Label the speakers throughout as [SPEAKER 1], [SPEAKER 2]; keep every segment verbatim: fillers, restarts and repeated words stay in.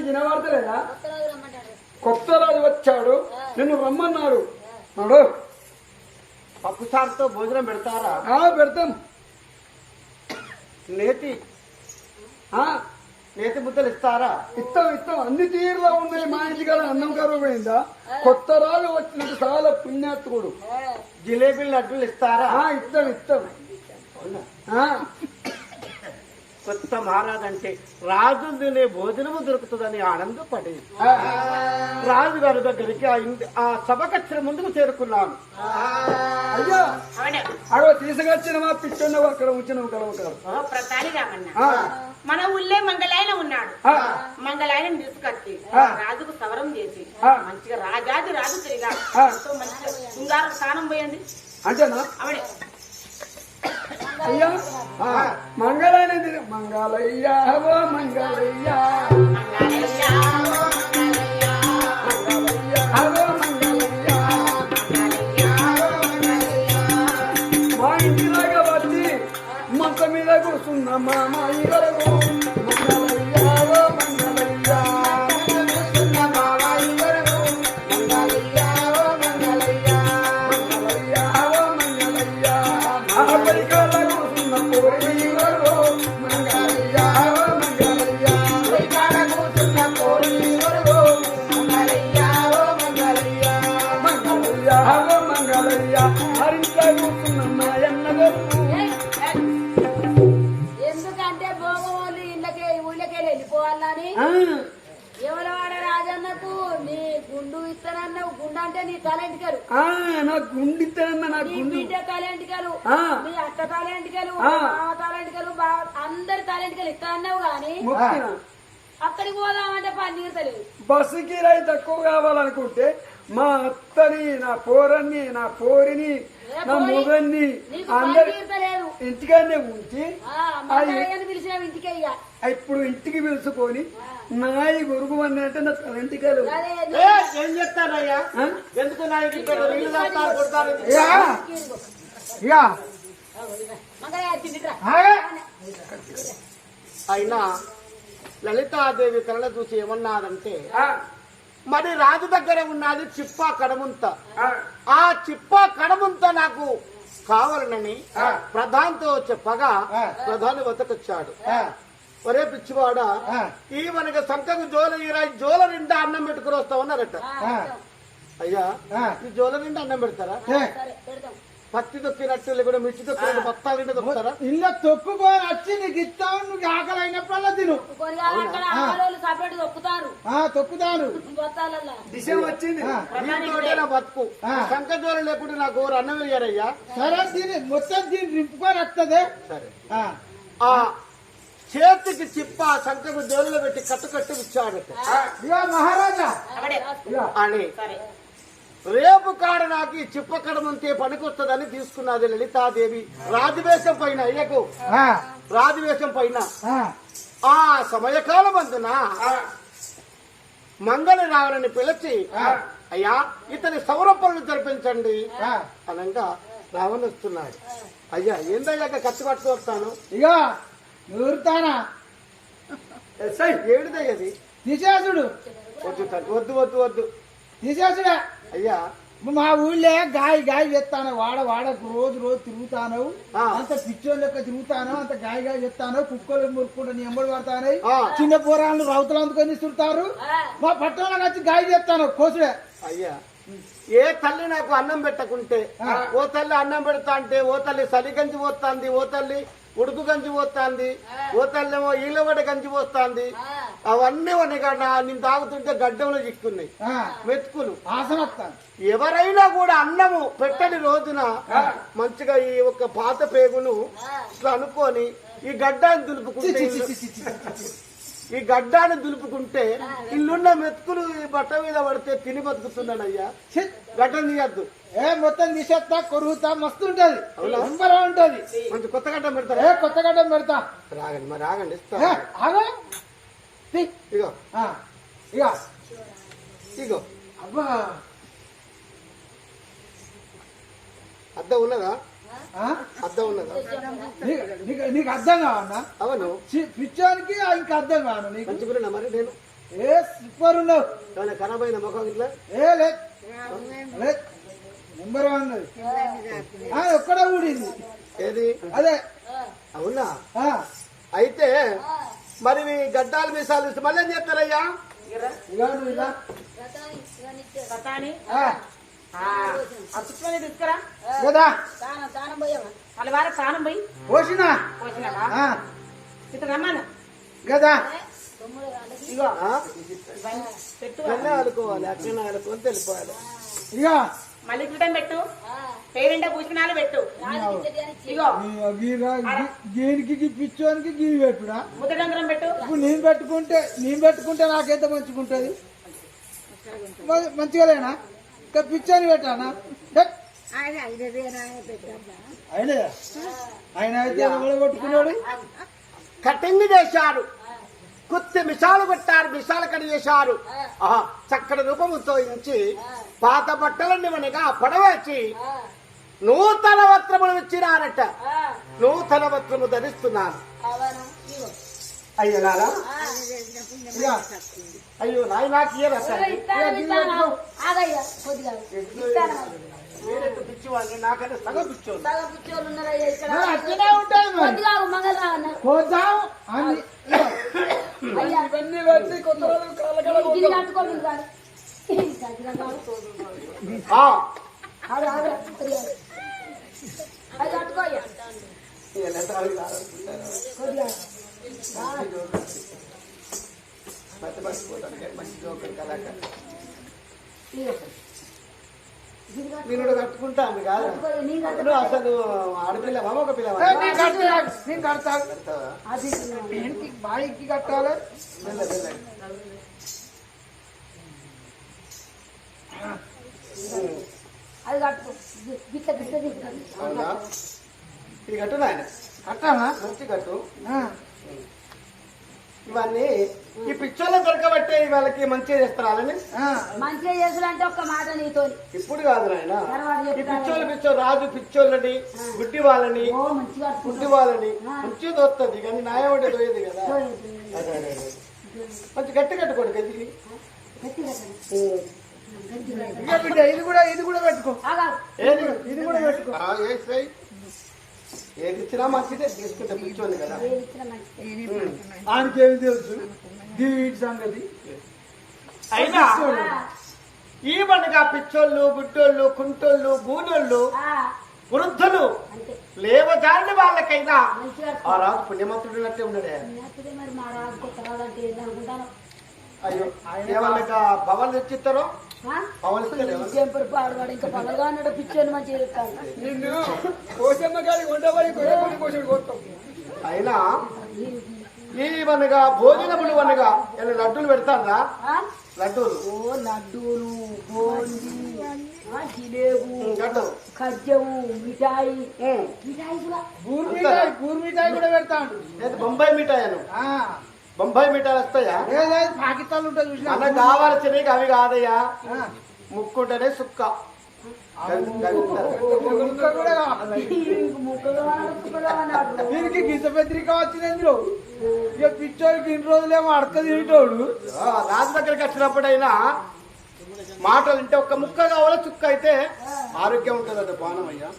[SPEAKER 1] వినబడతలేదా? కొత్త రాజు వచ్చాడు, నిన్ను రమ్మన్నాడు. నాడు
[SPEAKER 2] పప్పు చారుతో భోజనం పెడతారా?
[SPEAKER 1] పెడతాం.
[SPEAKER 2] నేతి నేతి ముద్దలు ఇస్తారా?
[SPEAKER 1] ఇస్తాం ఇస్తాం. అన్ని తీరులో ఉన్నాయి. మా ఇంటికాడ అన్నం కరువు పోయిందా? కొత్త రాజు వచ్చినట్టు చాలా పుణ్యాత్ముడు.
[SPEAKER 2] జిలేబీ లడ్డూలు ఇస్తారా?
[SPEAKER 1] ఇస్తాం ఇస్తాం.
[SPEAKER 2] కొత్త మహారాజు అంటే రాజు తినే భోజనము దొరుకుతుందని ఆనందపడి రాజు గారి దగ్గరికి ఆ సభకచ్చిన ముందుకు చేరుకున్నాను.
[SPEAKER 1] అయ్యో అగో తీసుకొచ్చిన మా పిచ్చున్నావు అక్కడ ఉంచినావు కలవ
[SPEAKER 3] ప్రతాని రామన్న మన ఊళ్ళే మంగళాయన ఉన్నాడు. మంగళాయన తీసుకొచ్చి రాజుకు సవరం చేసి మంచిగా రాజాది రాజు తిరిగా మంచిగా శృంగారం స్థానం పోయండి
[SPEAKER 1] అంటేనా?
[SPEAKER 3] ఆవిడే
[SPEAKER 1] అయ్యా మంగళయ్య మంగళయ్య ఓ మంగళయ్య మా ఇంటిలాగా వచ్చి మంత మీద కూర్చున్న మామ ఇవరకు మంగళయ్య ఓ మంగళయ్య
[SPEAKER 4] ఎందుకంటే భోగవాళ్ళు ఇళ్ళకే ఊళ్ళకే వెళ్ళిపోవాలని ఎవరు వాడ రాజన్నకు నీ గుండు ఇస్తానన్నావు. గుండు అంటే నీ తలెంటికలు.
[SPEAKER 1] నా గుండు ఇస్తానన్నా. నా
[SPEAKER 4] నీ బిడ్డ తలెంటికలు, నీ అక్క తలెంటికలు, బావ తలెంటికలు, అందరి తలెంటికలు ఇస్తా అన్నావు గాని అక్కడికి పోదామంటే పని తీరుతలేదు.
[SPEAKER 1] బస్సు కిరాయి తక్కువ కావాలనుకుంటే మా అత్తని, నా పోరన్ని, నా పోరిని, నా మొగన్ని అందరి ఇంటికానే ఉంచి
[SPEAKER 4] ఇంటికి
[SPEAKER 1] ఇప్పుడు ఇంటికి పిలుచుకొని నాయి గురుగు అన్నీ అంటే నా తలంటికాలు
[SPEAKER 2] ఏం చెప్తారయ్యా? ఎందుకు అయినా లలితాదేవి కళ చూసి ఏమన్నాదంటే మరి రాజు దగ్గర ఉన్నది చిప్పా కడముంత. ఆ చిప్పా కడముంత నాకు కావాలనని ప్రధానితో చెప్పగా ప్రధాని వద్దకొచ్చాడు. ఒరే పిచ్చివాడా, ఈ మనకి సంకకు జోల ఈ జోల నిండా అన్నం పెట్టుకుని వస్తామన్నారట. అయ్యా ఈ జోల నిండా అన్నం పెడతారా? పత్తి తొక్కినట్టు లేకుండా మిర్చి తొక్కినట్టు బత్తాలు నిండా తొక్కుతారా?
[SPEAKER 5] ఇలా తొక్కుకొని వచ్చి నీకు ఇస్తావు. నువ్వు ఆకలి అయినప్పుడల్లా తిను. తొక్కుతాను
[SPEAKER 1] వచ్చింది
[SPEAKER 2] నా బతుకు. సంక జోల లేకుండా నాకు అన్నం వేయారయ్యా.
[SPEAKER 5] సరే దీన్ని మొత్తం దీన్ని నింపుకొని వస్తుంది.
[SPEAKER 2] సరే ఆ చేతికి చిప్ప సంకకు జోలులో పెట్టి కట్టు కట్టు ఇచ్చాడట.
[SPEAKER 5] మహారాజా
[SPEAKER 2] అని రేపు కాడ నాకు ఈ చిప్ప కడమంతే పనికొస్తుందని తీసుకున్నది లలితాదేవి. రాజవేషం పైన అయ్యకు రాజవేషం పైన ఆ సమయకాలం అందున మంగళ రావణని పిలిచి అయ్యా ఇతని సౌరపనులు జరిపించండి అనగా రావణ వస్తున్నాడు. అయ్యా ఏందయ్యాక ఖర్చు పట్టుకొస్తాను.
[SPEAKER 5] ఇక నూరుతానా
[SPEAKER 2] ఏమిటిదయ్యది?
[SPEAKER 5] తీసేసుడు.
[SPEAKER 2] వద్దు వద్దు వద్దు వద్దు
[SPEAKER 5] తీసేసుడా.
[SPEAKER 2] అయ్యా
[SPEAKER 5] మా ఊళ్ళే గాయ గాయ చేస్తాను. వాడ వాడకు రోజు రోజు తిరుగుతాను. అంత పిచ్చోళ్ళు లెక్క తిరుగుతాను. అంత గాయ గాయ చేస్తాను. కుక్కలు మురుక్కుంటూ నీ ఎంబడి పడతాను. చిన్న పోరాళ్ళు రౌతులు అందుకొని తిరుగుతారు. మా పట్టణంలో వచ్చి గాయ చేస్తాను కోసుడే.
[SPEAKER 2] అయ్యా ఏ తల్లి నాకు అన్నం పెట్టకుంటే ఓ తల్లి అన్నం పెడతా అంటే ఓ తల్లి సలి గంజి పోస్తాంది, ఓ తల్లి ఉడుకు గంజి పోస్తాంది, ఓ తల్లేమో ఈలవడ గంజి పోస్తాంది. అవన్నీ ఉన్నాయి కదా నేను తాగుతుంటే గడ్డంలో చిక్కున్నాయి మెతుకులు. ఎవరైనా కూడా అన్నము పెట్టని రోజున మంచిగా ఈ ఒక పాత పేగును ఇట్లా అనుకొని ఈ గడ్డాన్ని దులుపుకుంటే ఈ గడ్డాన్ని దులుపుకుంటే ఇల్లున్న మెతుకులు ఈ బట్ట మీద పడితే తిని బతుకుతున్నానయ్యా. గడ్డం తీయద్దు.
[SPEAKER 5] ఏ మొత్తం తీసేస్తా, కొరుగుతా, మస్తు ఉంటది. ఉంటది
[SPEAKER 2] మంచి కొత్త గడ్డం పెడతారా?
[SPEAKER 5] ఏ కొత్త గడ్డం పెడతా.
[SPEAKER 2] రాగండి మరి రాగండి ఇస్తా. ఇగో
[SPEAKER 5] ఇగో
[SPEAKER 2] ఇగో
[SPEAKER 5] అబ్బా
[SPEAKER 2] అద్దం ఉన్నదా? అద్దం ఉన్నదా?
[SPEAKER 5] నీకు అర్థం కావన్నా?
[SPEAKER 2] అవును
[SPEAKER 5] పిచ్చోనికి ఇంకా అర్థం కాను. నీకు
[SPEAKER 2] మంచిగా మరి నేను
[SPEAKER 5] ఏ సూపర్ ఉన్నావు.
[SPEAKER 2] ఏమైనా ఖరాబ్ అయిన ముఖం ఇట్లా
[SPEAKER 5] ఏ లేదు లేదు నెంబర్ వన్ ఉన్నది. ఆ, ఒక్కడే ఊడింది.
[SPEAKER 2] ఏది
[SPEAKER 5] అదే
[SPEAKER 2] అవునా?
[SPEAKER 5] ఆ,
[SPEAKER 2] అయితే మరి మీ గడ్డాలు మీసాలు ఇస్తే మళ్ళీ ఏం చేస్తారయ్యా?
[SPEAKER 5] ఇలా నువ్వు ఇలా.
[SPEAKER 3] కథాని
[SPEAKER 5] ఆ,
[SPEAKER 3] అతుక్కొని తీసుకురా
[SPEAKER 5] కదా
[SPEAKER 4] తానం తానం పోయావా
[SPEAKER 3] వాళ్ళ వారి స్థానం పోయి
[SPEAKER 5] పోసినా.
[SPEAKER 3] పోసినావా
[SPEAKER 5] ఆ,
[SPEAKER 3] ఇటు రమ్మను
[SPEAKER 5] కదా
[SPEAKER 4] తొమ్మిది వాళ్ళకి
[SPEAKER 3] ఇగో
[SPEAKER 2] ఆ?
[SPEAKER 3] ఇవన్నీ పెట్టు
[SPEAKER 2] ఇక్కడనే ఆడుకోవాలి, అక్కడనే ఆడుకొని తెలిపోవాలి.
[SPEAKER 5] ఇక
[SPEAKER 3] మళ్ళీ క్రితం పెట్టు పేరింట పూసినాలు పెట్టు ఇగో
[SPEAKER 5] దీనికి పిచ్చోనికి గీ పెట్టుడా.
[SPEAKER 3] ముద్దడంగరం పెట్టు
[SPEAKER 5] ఇప్పుడు నేను పెట్టుకుంటే నేను పెట్టుకుంటే నాకెంత మంచిగుంటది. మ- మంచిగా లేనా? ఇంకా పిచ్చోని పెట్టానా? ధట్. ఆయన ఆయన అయితే ఎవరు కొట్టుకున్నాడు?
[SPEAKER 2] కటింగ్ చేశారు, కుత్తి మిసాలు పెట్టారు, మిసాలు కడి చేశారు. ఆహా, చక్కటి రూపముతో ఇంచి పాత బట్టలన్నీ మనగా పడవేసి నూతన వస్త్రములు ఇచ్చినారట. నూతన వస్త్రము ధరిస్తున్నాను. అయ్యో నారా,
[SPEAKER 5] ఇక
[SPEAKER 2] అయ్యో నాయ నాకు ఇయ్యరా తల్లి?
[SPEAKER 4] ఆగయ్యా కొద్దిగా ఇస్తాను
[SPEAKER 2] మీరెందుకు పిచ్చివాళ్ళు? నాకైతే సగం పిచ్చోళ్ళు.
[SPEAKER 4] సగం పిచ్చోళ్ళు ఉన్నారయ్యా ఇక్కడ
[SPEAKER 5] మరి అట్లనే ఉంటాయి మరి.
[SPEAKER 4] కొద్దిగా మంగళరావు అన్న
[SPEAKER 5] పోతాం అని
[SPEAKER 4] అయ్యా
[SPEAKER 1] ఇవన్నీ పెట్టి కొత్త రోజులు కాళ్ళ
[SPEAKER 4] ఇది కట్టుకోండి కానీ
[SPEAKER 2] ఆ,
[SPEAKER 4] అది ఆగరా కొద్దిగా అది కట్టుకో అయ్యా
[SPEAKER 2] ఇక నెత్తాలు కాదనుకుంటారా?
[SPEAKER 4] కొద్దిగా
[SPEAKER 2] మధ్య మర్చిపోతాను మంచి జోకర్ కళాకారు. నేను కూడా కట్టుకుంటాను కాదు. నువ్వు అసలు ఆడపిల్లవా ఒక పిల్లవా?
[SPEAKER 5] ఏ, నేను కడతా, నేను కడతా.
[SPEAKER 2] కడతావా?
[SPEAKER 4] అది
[SPEAKER 5] ఇంటికి బాయికి కట్టాలి.
[SPEAKER 2] మెల్ల మెల్ల.
[SPEAKER 4] అది కట్టుకో గిట్ట గిట్ట తీసుకుంది
[SPEAKER 2] అవునా? ఇది కట్టు నాయన,
[SPEAKER 5] కట్టానా?
[SPEAKER 2] మంచి కట్టు.
[SPEAKER 5] ఆ,
[SPEAKER 2] ఇవన్నీ ఈ పిచ్చోళ్ళ దొరకబట్టే వాళ్ళకి మంచిగా చేస్తారు వాళ్ళని.
[SPEAKER 5] ఆ.
[SPEAKER 4] మంచిగా చేసులంటే ఒక్క మాట నీతో
[SPEAKER 2] ఇప్పుడు కాదు నాయన,
[SPEAKER 4] తర్వాత
[SPEAKER 2] ఈ
[SPEAKER 4] చెప్తాను.
[SPEAKER 2] పిచ్చోళ్ళు పిచ్చో రాజు పిచ్చోళ్ళని గుడ్డి వాళ్ళని
[SPEAKER 4] ఓ మంచిగా
[SPEAKER 2] గుడ్డి వాళ్ళని మంచిగా దొరుకుతుంది కానీ న్యాయం అంటే దొయ్యదు కదా. అదే అదే అదే. మంచి గట్టి కట్టుకోండి గది.
[SPEAKER 5] ఇక బిడ్డ ఇది కూడా ఇది కూడా పెట్టుకో.
[SPEAKER 2] ఏది
[SPEAKER 5] ఇది కూడా పెట్టుకో.
[SPEAKER 2] ఆ, ఏ సై. ఏది ఇచ్చినా మంచిదే తీసుకుంటే పిచ్చోళ్ళు కదా.
[SPEAKER 5] ఆయనకేమి తెలుసు దీని సంగతి.
[SPEAKER 2] అయినా ఈ పండుగ పిచ్చోళ్ళు గుడ్డోళ్ళు కుంటోళ్ళు గూనోళ్ళు వృద్ధులు లేవజారిన వాళ్ళకైనా ఆ రాజు పుణ్యమంతుడినట్టే ఉండడే.
[SPEAKER 4] మరి మా రాజు కొత్త రాజు అంటే ఏంటనుకుంటాను
[SPEAKER 2] అయ్యో ఏమన్నా భవన్ తెచ్చిస్తారో భవన్ ఇస్తారు.
[SPEAKER 4] జంపర్ పాడవాడు ఇంకా పగలుగా ఉన్నాడు పిచ్చోని మంచిగా చెప్తాను
[SPEAKER 1] నిన్ను కోసమ్మ గారికి ఉండబడి కొయ్యబడి కోసడు కోస్తాం.
[SPEAKER 2] అయినా ఈ మనగా భోజనములు అనగా ఇలా లడ్డూలు పెడతారా? లడ్డూలు
[SPEAKER 4] ఓ లడ్డూలు బోండి జిలేబు
[SPEAKER 2] లడ్డు
[SPEAKER 4] ఖజ్జము మిఠాయి మిఠాయి కూడా
[SPEAKER 5] బూర్ మిఠాయి బూర్ మిఠాయి కూడా పెడతాడు.
[SPEAKER 2] లేదు బొంబాయి మిఠాయి అను. బొంబాయి మిఠాయిలు వస్తాయా?
[SPEAKER 5] లేదు పాకిస్తాన్ ఉంటుంది చూసినా.
[SPEAKER 2] మనకు కావాల్సినవి అవి కాదయ్యా. ముక్కుంటేనే సుక్క
[SPEAKER 5] ముక్క కూడా కావాలి. దీనికి గీత పత్రిక వచ్చింది ఇందులో. ఇక పిచ్చోడికి ఇన్ని రోజులేమో అడక తినేటోడు
[SPEAKER 2] రాజు దగ్గరికి వచ్చినప్పుడైనా మాటలు వింటే ఒక్క ముక్క కావాలో చుక్క అయితే ఆరోగ్యం ఉంటుందట బాణం అయ్యా.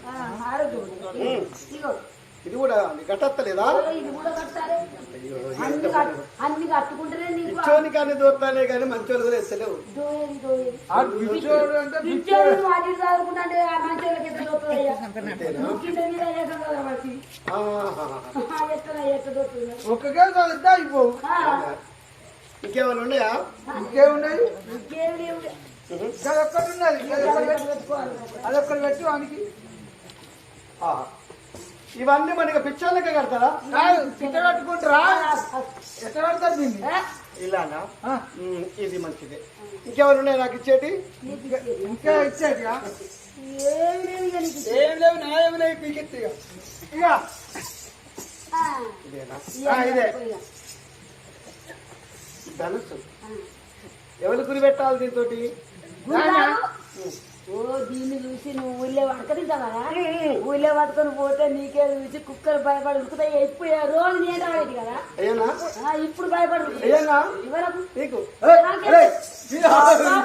[SPEAKER 2] ఇది కూడా కట్టలేదా?
[SPEAKER 4] ఇది కూడా కట్టాలి అన్ని కట్టు- అన్ని కట్టుకుంటేనే నీకు
[SPEAKER 2] పిచ్చోనికి అన్ని దూరతానే కానీ మంచోళ్ళు కూడా ఎత్తలేవు.
[SPEAKER 4] దోయేది దోయేది
[SPEAKER 5] ఆ పిచ్చోడు అంటే
[SPEAKER 4] పిచ్చోడు నువ్వు అటు ఇటు చదువుకుంటే ఆ మంచోళ్ళకి ఎంత దొరుకుతుందయ్యా నువ్వు కింద మీద వేసాం కదా వాడికి
[SPEAKER 2] ఆహాహా.
[SPEAKER 4] ఎట్లా ఎట్ట దొరుకుతుంది
[SPEAKER 5] ఒక్కగా చదివితే అయిపోవు.
[SPEAKER 2] ఇంకేమైనా ఉన్నాయా?
[SPEAKER 5] ఇంకేమున్నది?
[SPEAKER 4] ఇంకేం లేవు
[SPEAKER 5] అదొక్కటి ఉన్నది. అదొక్కటి పెట్టు. అదొక్కటి పెట్టు వానికి.
[SPEAKER 2] ఆహా. ఇవన్నీ మనకి పిచ్చోళ్ళకే కడతారా?
[SPEAKER 5] కాదు పిచ్చ కట్టుకుంటారా? ఎట్ట కడతారు దీన్ని?
[SPEAKER 2] ఇలానా?
[SPEAKER 5] ఆ,
[SPEAKER 2] ఉమ్, ఇది మంచిదే. ఇంకెవరు ఉన్నాయి నాకు ఇచ్చేటి?
[SPEAKER 5] ఇంకా ఇచ్చేది
[SPEAKER 4] ఏం లేవు ఇక నీకు
[SPEAKER 1] ఏం లేవు న్యాయం లేవు పీకెత్తి ఇక.
[SPEAKER 5] ఇక
[SPEAKER 4] ఆ,
[SPEAKER 2] ఇదేనా?
[SPEAKER 5] ఆ, ఇదే.
[SPEAKER 4] ఇక.
[SPEAKER 2] ధనుసు ఎవరు గురి పెట్టాలి దీంతో?
[SPEAKER 4] గురుగారు ఓ దీన్ని చూసి నువ్వు ఊళ్ళో పడకనిద్దామా ఊళ్ళో పట్టుకొని పోతే నీకే చూసి కుక్కలు భయపడి ఉరుకుతాయి ఎప్పుడు రోజు నేను రాలేదు కదా
[SPEAKER 2] అయ్యనా
[SPEAKER 4] ఆ, ఇప్పుడు భయపడి
[SPEAKER 2] అయ్యనా
[SPEAKER 4] ఇవరకు
[SPEAKER 2] నీకు
[SPEAKER 4] నాకే-